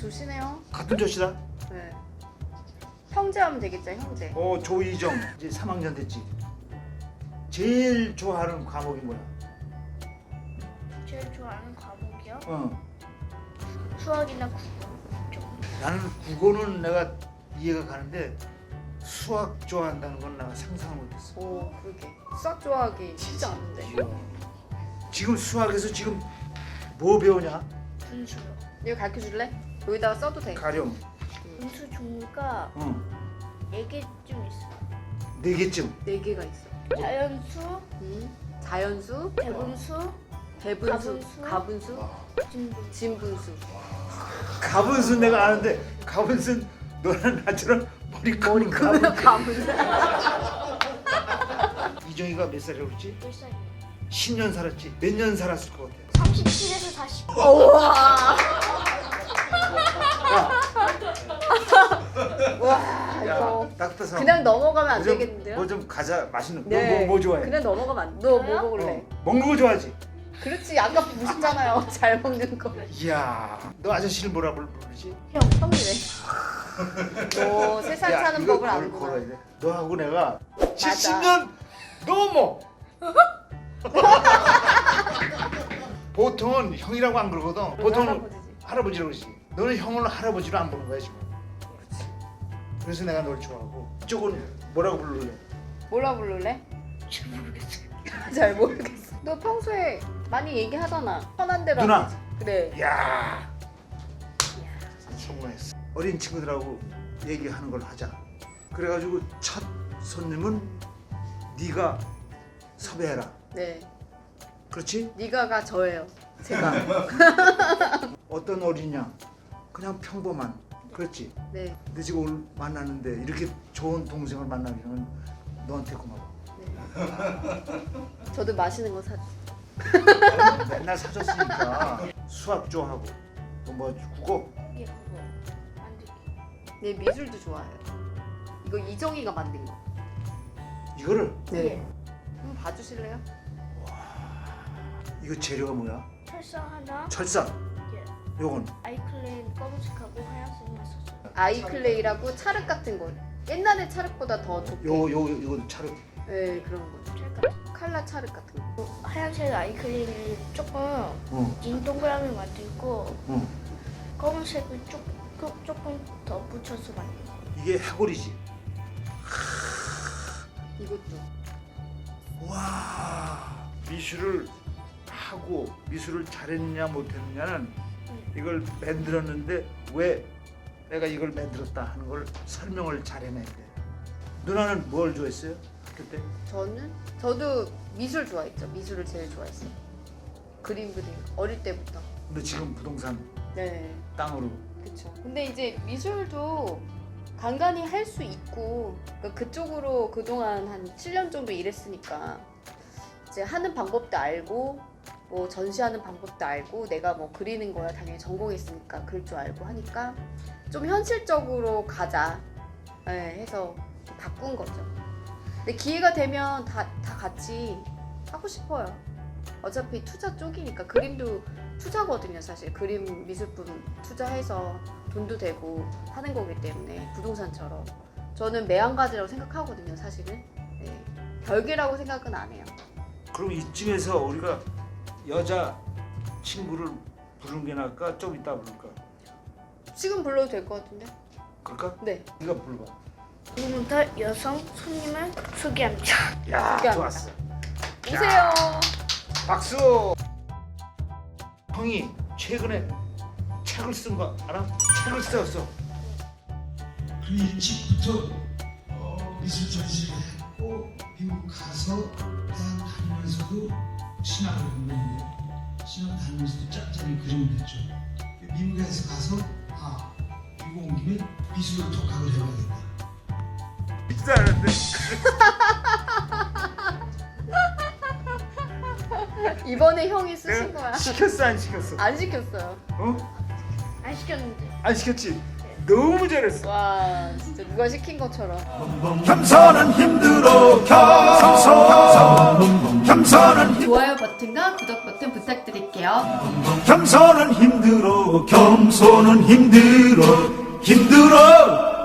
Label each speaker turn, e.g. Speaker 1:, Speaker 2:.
Speaker 1: 조시네요.
Speaker 2: 같은 조시다.
Speaker 1: 네. 형제하면 되겠죠, 형제.
Speaker 2: 조이정 이제 3학년 됐지. 제일 좋아하는 과목이 뭐야?
Speaker 3: 제일 좋아하는 과목이요?
Speaker 1: 수학이나 국어 좀.
Speaker 2: 나는 국어는 내가 이해가 가는데 수학 좋아한다는 건 내가 상상을 못했어.
Speaker 1: 오, 그러게. 수학 좋아하기 쉽지 않은데.
Speaker 2: 이야. 지금 수학에서 지금 뭐 배우냐?
Speaker 3: 분수요.
Speaker 1: 이거 가르쳐 줄래? 여기다가 써도 돼.
Speaker 2: 가령
Speaker 3: 분수 종류가 4개쯤 있어요.
Speaker 2: 4개쯤.
Speaker 1: 4개가 있어.
Speaker 3: 자연수,
Speaker 1: 자연수,
Speaker 3: 대분수,
Speaker 1: 대분수,
Speaker 3: 가분수,
Speaker 1: 가분수,
Speaker 3: 진분수.
Speaker 1: 진분수.
Speaker 2: 가분수 내가 아는데 가분수 너는 나처럼 머리 큰
Speaker 1: 가분수.
Speaker 2: 이정이가 몇 살이라고 그랬지?
Speaker 3: 1살이요.
Speaker 2: 10년 살았지? 몇 년 살았을 것 같아?
Speaker 3: 37에서 40.
Speaker 1: 우와.
Speaker 2: 야,
Speaker 1: 와, 이거
Speaker 2: 딱딱한
Speaker 1: 그냥 넘어가면 안 되겠는데요?
Speaker 2: 뭐좀 가자 맛있는 거.
Speaker 1: 네.
Speaker 2: 뭐 좋아해?
Speaker 1: 그냥 넘어가면 안 돼. 너 뭐
Speaker 3: 저요?
Speaker 1: 먹을래?
Speaker 2: 먹는 거 좋아하지?
Speaker 1: 그렇지. 아까 보셨잖아요. 잘 먹는 거.
Speaker 2: 이야 너 아저씨를 뭐라 부르지?
Speaker 1: 형, 형이래. 너 세상
Speaker 2: 야,
Speaker 1: 사는
Speaker 2: 이거
Speaker 1: 법을
Speaker 2: 걸-
Speaker 1: 아는구나.
Speaker 2: 걸어야 돼. 너하고 내가 70년 넘어. 보통은 형이라고 안 그러거든. 보통은
Speaker 1: 할아버지지.
Speaker 2: 할아버지라고 그러지. 너는 형을 할아버지로 안 보는 거야 지금. 그래서 내가 널 좋아하고. 이쪽은 뭐라고 부르래?
Speaker 1: 뭐라 부를래?
Speaker 3: 잘 모르겠어요.
Speaker 1: 잘 모르겠어. 너 평소에 많이 얘기하잖아. 편한 대로.
Speaker 2: 누나.
Speaker 1: 하지. 그래.
Speaker 2: 이야 성공했어. 어린 친구들하고 얘기하는 걸 하자. 그래가지고 첫 손님은 네가 섭외해라.
Speaker 1: 네.
Speaker 2: 그렇지?
Speaker 1: 네가가 저예요. 제가.
Speaker 2: 어떤 어린이냐? 그냥 평범한. 그렇지?
Speaker 1: 네.
Speaker 2: 근데 지금 오늘 만났는데 이렇게 좋은 동생을 만나게 되면 너한테 고마워.
Speaker 1: 저도 맛있는 거 사.
Speaker 2: 맨날 사줬으니까 수학 좋아하고 또 뭐 국어
Speaker 3: 이게 그거 만들기.
Speaker 1: 네, 미술도 좋아해요. 이거 이정이가 만든 거.
Speaker 2: 이거를
Speaker 3: 네.
Speaker 1: 한번 봐주실래요?
Speaker 2: 이거 재료가 뭐야?
Speaker 3: 철사 하나,
Speaker 2: 철사.
Speaker 3: 예.
Speaker 2: 요건
Speaker 3: 아이클레인 검은색하고 하얀색만 썼어요.
Speaker 1: 아이클레이라고 차륵 같은 거. 옛날에 차륵보다 더 좋게.
Speaker 2: 요거 차려.
Speaker 1: 네, 그런 거.
Speaker 3: 찰까?
Speaker 1: 칼라 차륵 같은 거.
Speaker 3: 하얀색 아이클레인을 조금 긴 동그라미 만들고 검은색을 조금 더 붙여서 만들고.
Speaker 2: 이게 해골이지.
Speaker 1: 이것도.
Speaker 2: 와 미술을 하고 미술을 잘했느냐 못했느냐는 이걸 만들었는데 왜 내가 이걸 만들었다 하는 걸 설명을 잘 해내야 돼. 누나는 뭘 좋아했어요? 학교 때?
Speaker 1: 저도 미술 좋아했죠. 미술을 제일 좋아했어요. 그림 그리는 거. 어릴 때부터.
Speaker 2: 근데 지금 부동산
Speaker 1: 네.
Speaker 2: 땅으로
Speaker 1: 그렇죠. 근데 이제 미술도 간간히 할 수 있고 그러니까 그쪽으로 그동안 한 7년 정도 일했으니까 이제 하는 방법도 알고 뭐 전시하는 방법도 알고 내가 뭐 그리는 거야 당연히 전공했으니까 그럴 줄 알고 하니까 좀 현실적으로 가자 해서 바꾼 거죠. 근데 기회가 되면 다 같이 하고 싶어요. 어차피 투자 쪽이니까 그림도 투자거든요. 사실 그림 미술품 투자해서 돈도 되고 하는 거기 때문에 부동산처럼 저는 매한가지라고 생각하거든요. 사실은 네. 별개라고 생각은 안 해요.
Speaker 2: 그럼 이쯤에서 우리가 여자 친구를 부르는 게 나을까? 좀 이따 부를까?
Speaker 1: 지금 불러도 될 것 같은데?
Speaker 2: 그럴까?
Speaker 1: 네.
Speaker 2: 네가 불러봐.
Speaker 3: 지금부터 여성 손님을 소개합니다.
Speaker 2: 야
Speaker 1: 소개합니다.
Speaker 2: 좋았어.
Speaker 1: 오세요.
Speaker 2: 박수. 형이 최근에 책을 쓴 거 알아? 책을 썼어.
Speaker 4: 그 일찍부터 미술 전시를 했고 미국 가서 대학 다니면서도 신학을 공부했는데 신학 다니면서도 짭짤이 그림을 했죠. 미국에서 가서 미국 온 김에 미술을 독학을 해봐야겠다.
Speaker 2: 잘하는데.
Speaker 1: 이번에 형이 쓰신 거야.
Speaker 2: 시켰어 안 시켰어?
Speaker 1: 안 시켰어요.
Speaker 2: 어?
Speaker 3: 안 시켰는데.
Speaker 2: 안 시켰지? 너무 잘했어.
Speaker 1: 와 진짜 누가 시킨 것처럼.
Speaker 4: 겸손은 힘들어 겸손 겸손은
Speaker 1: 좋아요 버튼과 구독 버튼 부탁드릴게요.
Speaker 4: 겸손은 힘들어 겸손은 힘들어 힘들어